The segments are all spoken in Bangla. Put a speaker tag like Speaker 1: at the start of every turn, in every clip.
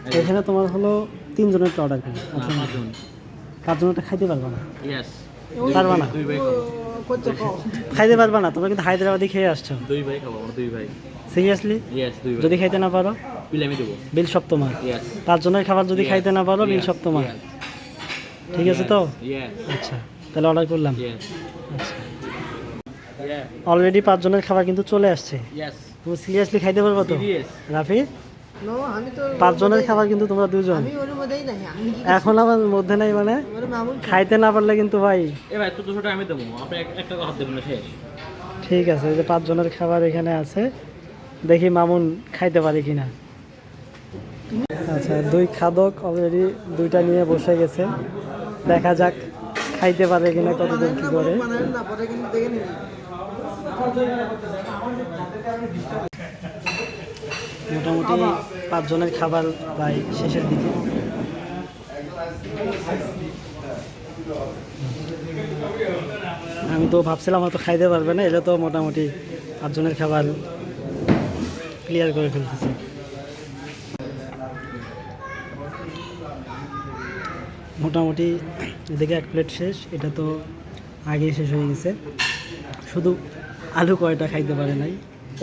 Speaker 1: এখানে তোমার হলো 3 জনের অর্ডার করি। আচ্ছা, 5 জনেরটা খাইতে পারবা না? পারবা না? খাইতে পারবা না? তোমরা কিন্তু হায়দ্রাবাদি খেয়ে আসছো।
Speaker 2: 2 ভাই খাবো, আমরা 2 ভাই।
Speaker 1: সিরিয়াসলি?
Speaker 2: 2 ভাই।
Speaker 1: যদি খাইতে না পারো
Speaker 2: বিল আমি দেবো।
Speaker 1: বিল সব তোমার। 5 জনের খাবার যদি খাইতে না পারো বিল সব তোমার। ঠিক আছে তো? আচ্ছা, তাহলে অর্ডার করলাম। আচ্ছা, অলরেডি 5 জনের খাবার কিন্তু চলে আসছে। তুমি সিরিয়াসলি খাইতে পারবো তো রাফি? 5 জনের খাবার কিন্তু তোমরা 2 জন। এখন আমার মধ্যে নাই মানে খাইতে না পারলে কিন্তু ভাই।
Speaker 2: ভাই তো 200 টাকা আমি দেবো, আপনি একটা হাত দেবেন না, শেষ।
Speaker 1: ঠিক আছে, এই যে 5 জনের খাবার এখানে আছে, দেখি মামুন খাইতে পারে কিনা। আচ্ছা, 2 খাদক অলরেডি 2টা নিয়ে বসে গেছে, দেখা যাক খাইতে পারে কিনা, কতদূর কি করে। মোটামুটি 5 জনের খাবার প্রায় শেষের দিকে। আমি তো ভাবছিলাম হয়তো খাইতে পারবে না, এটা তো মোটামুটি 5 জনের খাবার ক্লিয়ার করে ফেলতেছে। মোটামুটি এদিকে 1 প্লেট শেষ, এটা তো আগেই শেষ হয়ে গেছে। শুধু আলু কয়টা খাইতে পারে নাই।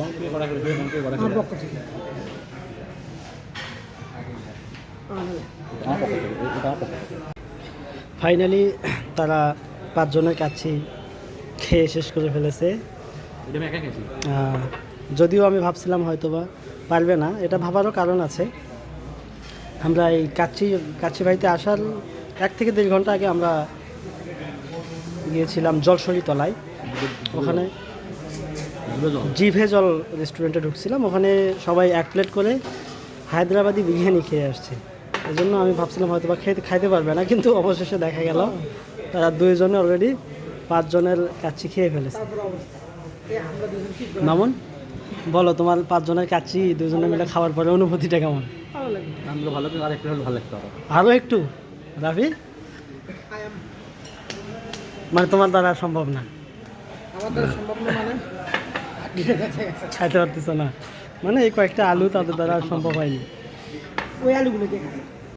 Speaker 1: ফাইনালি তারা 5 জনের কাছে খেয়ে শেষ করে ফেলেছে। যদিও আমি ভাবছিলাম হয়তোবা পারবে না, এটা ভাবারও কারণ আছে। আমরা এই কাচ্চি বাড়িতে আসার 1 থেকে 1.5 ঘন্টা আগে আমরা গিয়েছিলাম জলসরি তলায়। ওখানে জিভে জল রেস্টুরেন্টে ঢুকছিলাম, ওখানে সবাই 1 প্লেট করে হায়দ্রাবাদি বিরিয়ানি খেয়ে আসছে। এই জন্য আমি ভাবছিলাম হয়তো বা খাইতে পারবে না, কিন্তু অবশেষে দেখা গেল তারা 2 জনে অলরেডি 5 জনের কাচ্চি খেয়ে ফেলেছে। মামুন বলো, তোমার 5 জনের কাচ্চি 2 জনে মিলে খাওয়ার পরে অনুভূতিটা কেমন?
Speaker 2: ভালো, আর একটু ভালো লাগতো।
Speaker 1: আরও একটু রাফি, মানে তোমার দ্বারা সম্ভব না? খাইতে পারতেছ না মানে এই কয়েকটা আলু তাদের দ্বারা সম্ভব হয়নি। ওই আলুগুলো